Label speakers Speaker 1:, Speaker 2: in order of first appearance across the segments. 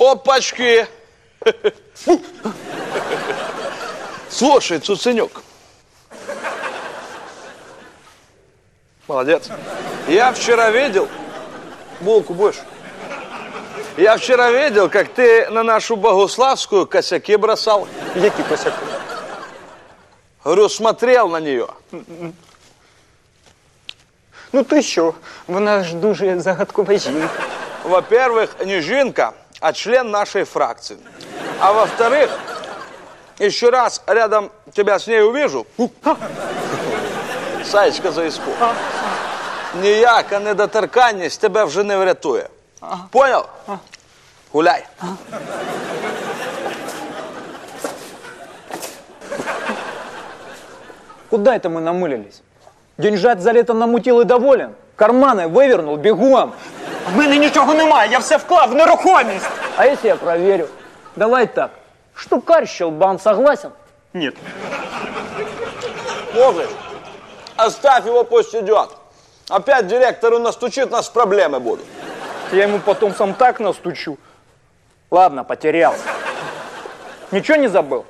Speaker 1: Опачки! Слушай, Цуценюк. Молодец. Я вчера видел... Булку будешь? Я вчера видел, как ты на нашу Богуславскую косяки бросал.
Speaker 2: Які косяки?
Speaker 1: Говорю, смотрел на нее.
Speaker 2: Ну ти що? Вона ж дуже загадкова жінка.
Speaker 1: Во-первых, не жинка, а член нашей фракции. А во-вторых, еще раз рядом тебя с ней увижу, Саєчка за іску. Ніяка недоторканність тебе вже не врятує. Понял? Гуляй.
Speaker 2: Куда это мы намылились? Деньжат за лето намутил и доволен. Карманы вывернул, бегом.
Speaker 3: В мене нічого немає, я все вклав в нерухомість.
Speaker 2: А если я проверю? Давай так. Штукарь щелбан, согласен?
Speaker 3: Ні.
Speaker 1: Можешь? Оставь его, пусть идет. Опять директору настучит, нас проблемы будут.
Speaker 2: Я ему потом сам так настучу. Ладно, потерялся. Ничего не забыл?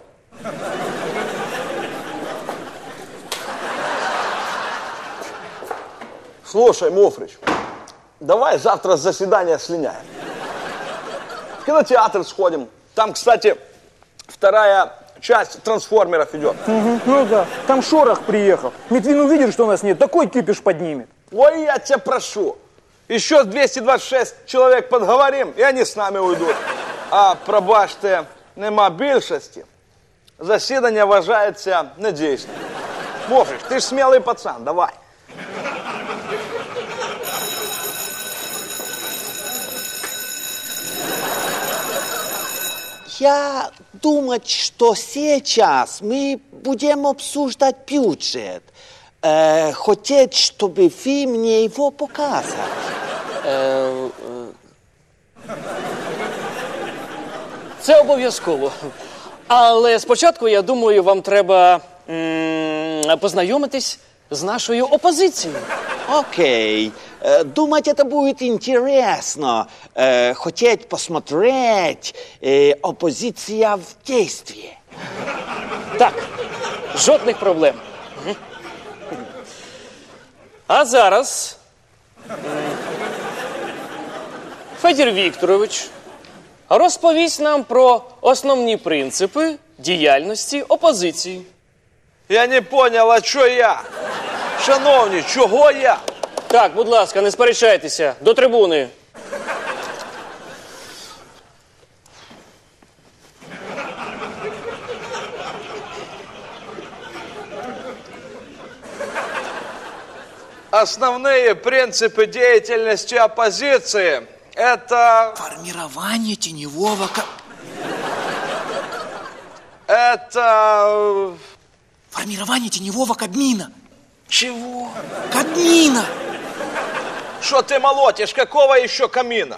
Speaker 1: Слушай, Муфрич, давай завтра с заседания слиняем. В кинотеатр сходим. Там, кстати, вторая часть «Трансформеров» идет.
Speaker 2: Ну да, там Шорох приехал. Медвин увидит, что у нас нет, такой кипиш поднимет.
Speaker 1: Ой, я тебя прошу. Еще 226 человек подговорим, и они с нами уйдут. А пробачте, нема більшості. Засідання вважається недійсним. Муфрич, ты ж смелый пацан, давай.
Speaker 4: Я думаю, что сейчас мы будем обсуждать бюджет. Хотеть, чтобы вы мне его показали.
Speaker 5: Це обов'язково. Але спочатку, я думаю, вам треба познайомитись з нашою опозицією.
Speaker 4: Окей. Думать, это будет интересно. Хотеть посмотреть. Оппозиция в действии.
Speaker 5: Так, жодних проблем. А зараз Федір Вікторович розповість нам про основні принципи діяльності опозиції.
Speaker 1: Я не понял, а що я? Шановні, чого я?
Speaker 5: Так, будь ласка, не сперечайтеся. До трибуни.
Speaker 1: Основные принципы деятельности оппозиции – это...
Speaker 4: Формирование теневого...
Speaker 1: Это...
Speaker 4: Формирование теневого Кабмина.
Speaker 1: Чего?
Speaker 4: Кабмина!
Speaker 1: Что ты молотишь? Какого еще камина?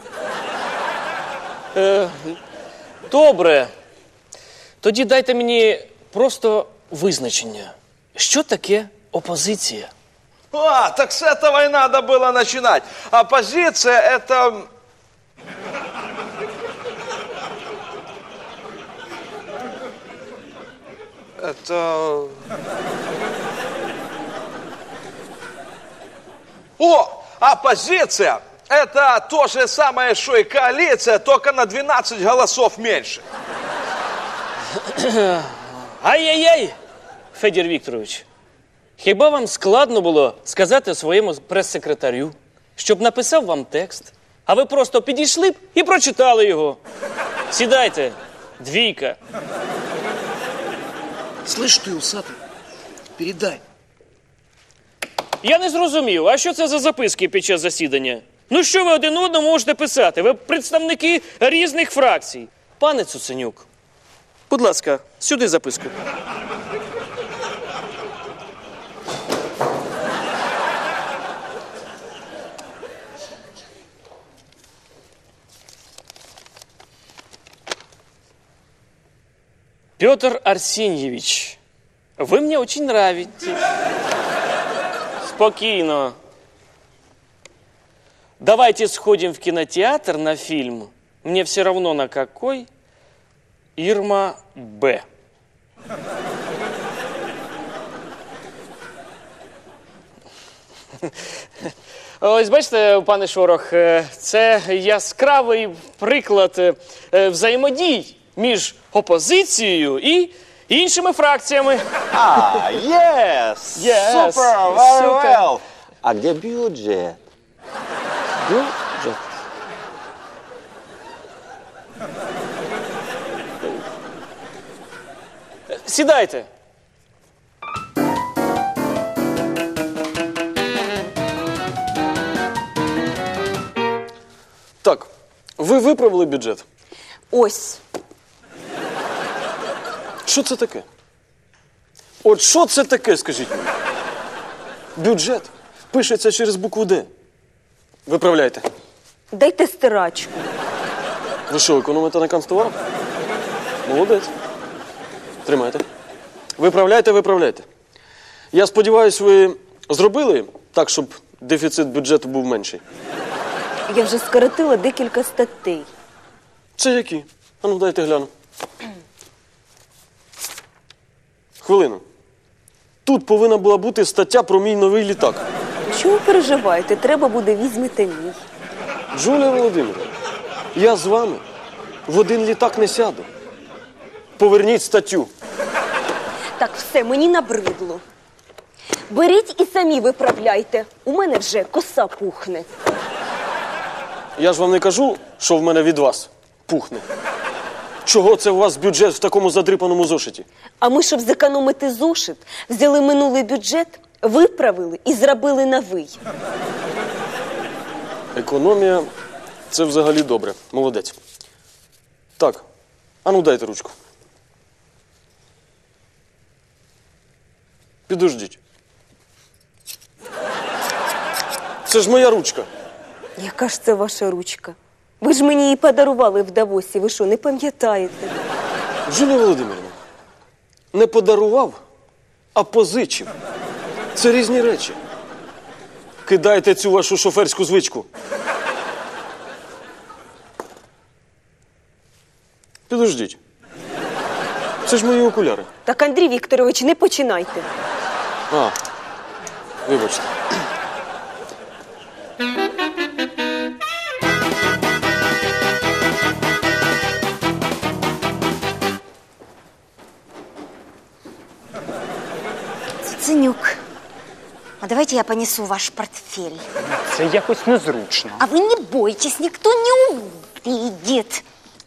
Speaker 5: Добре. Тоді дайте мені просто визначення. Що таке опозиція?
Speaker 1: А, так с этого и надо было начинать. Оппозиция – это... Это... О, оппозиция – это то же самое, что и коалиция, только на 12 голосов меньше.
Speaker 5: Ай-яй-яй, Федір Вікторович. Хіба вам складно було сказати своєму прес-секретарю, щоб написав вам текст, а ви просто підійшли б і прочитали його? Сідайте, двійка.
Speaker 4: Слышь ты, усатый, передай.
Speaker 5: Я не зрозумів, а що це за записки під час засідання? Ну що ви один одному можете писати? Ви представники різних фракцій. Пане Цуценюк, будь ласка, сюди записку. Петр Арсеньевич, вы мне очень нравитесь. Спокойно. Давайте сходим в кинотеатр на фильм мне все равно на какой, Ирма Б. Ось бачите, пане Шорох, це яскравий приклад взаємодій між опозицією і іншими фракціями.
Speaker 6: Yes!
Speaker 5: Yes,
Speaker 6: Super, very
Speaker 5: super.
Speaker 6: well. А где бюджет?
Speaker 5: Бюджет. Сідайте.
Speaker 3: Так, ви виправили бюджет.
Speaker 7: Ось.
Speaker 3: Що це таке? От що це таке, скажіть мені? Бюджет пишеться через букву «Д». Виправляйте.
Speaker 7: Дайте стирачку.
Speaker 3: Ви що, економите на канцтоварах? Молодець. Тримайте. Виправляйте, виправляйте. Я сподіваюся, ви зробили так, щоб дефіцит бюджету був менший.
Speaker 7: Я вже скоротила декілька статей.
Speaker 3: Це які? А ну, дайте гляну. Хвилину. Тут повинна була бути стаття про мій новий літак.
Speaker 7: Чому ви переживаєте? Треба буде, візьмете мій.
Speaker 3: Джулія Володимирівна, я з вами в один літак не сяду. Поверніть статтю.
Speaker 7: Так, все, мені набридло. Беріть і самі виправляйте. У мене вже коса пухне.
Speaker 3: Я ж вам не кажу, що в мене від вас пухне. Чого це у вас бюджет в такому задрипаному зошиті?
Speaker 7: А ми, щоб зекономити зошит, взяли минулий бюджет, виправили і зробили новий.
Speaker 3: Економія – це взагалі добре. Молодець. Так, а ну дайте ручку. Підождіть. Це ж моя ручка.
Speaker 7: Яка ж це ваша ручка? Ви ж мені її подарували в Давосі. Ви що, не пам'ятаєте?
Speaker 3: Джулія Володимирівна, не подарував, а позичив. Це різні речі. Кидайте цю вашу шоферську звичку. Підождіть. Це ж мої окуляри.
Speaker 7: Так, Андрій Вікторович, не починайте.
Speaker 3: А, вибачте.
Speaker 8: Ценюк, а давайте я понесу ваш портфель.
Speaker 2: Це якось незручно.
Speaker 8: А вы не бойтесь, никто не увидит.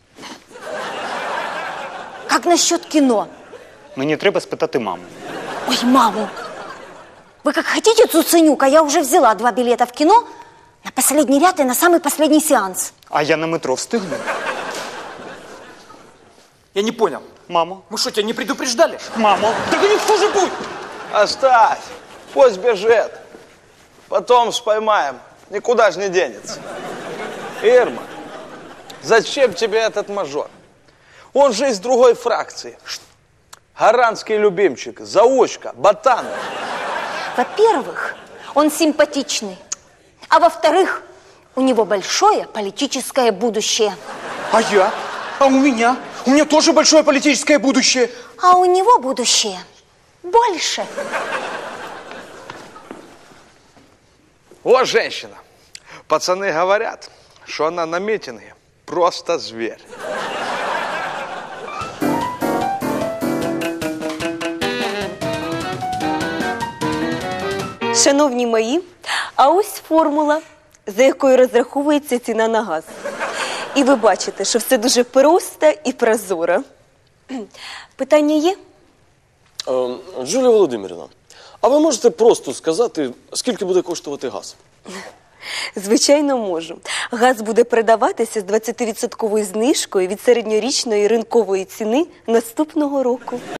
Speaker 8: Как насчет кино?
Speaker 2: Мені треба спитати маму.
Speaker 8: Ой, маму. Вы как хотите, Цуценюк, а я уже взяла 2 билета в кино на последний ряд и на самый последний сеанс.
Speaker 2: А я на метро встигну.
Speaker 4: Я не понял.
Speaker 2: Мамо,
Speaker 4: Мы что, тебя не предупреждали?
Speaker 2: мамо.
Speaker 4: Так не хуже будет.
Speaker 1: Оставь, пусть бежит. Потом споймаем, никуда же не денется. Ирма, зачем тебе этот мажор? Он же из другой фракции. Гаранский любимчик, заучка, ботан.
Speaker 8: Во-первых, он симпатичный. А во-вторых, у него большое политическое будущее.
Speaker 4: А я? А у меня? У меня тоже большое политическое будущее.
Speaker 8: А у него будущее больше.
Speaker 1: Вот женщина. Пацаны говорят, что она на митинге просто зверь.
Speaker 7: Шановні мої, а ось формула, за якою розраховується ціна на газ. І ви бачите, що все дуже просто і прозоро. Питання є?
Speaker 3: Джулія Володимирівна, а ви можете просто сказати, скільки буде коштувати газ?
Speaker 7: Звичайно, можу. Газ буде продаватися з 20% знижкою від середньорічної ринкової ціни наступного року.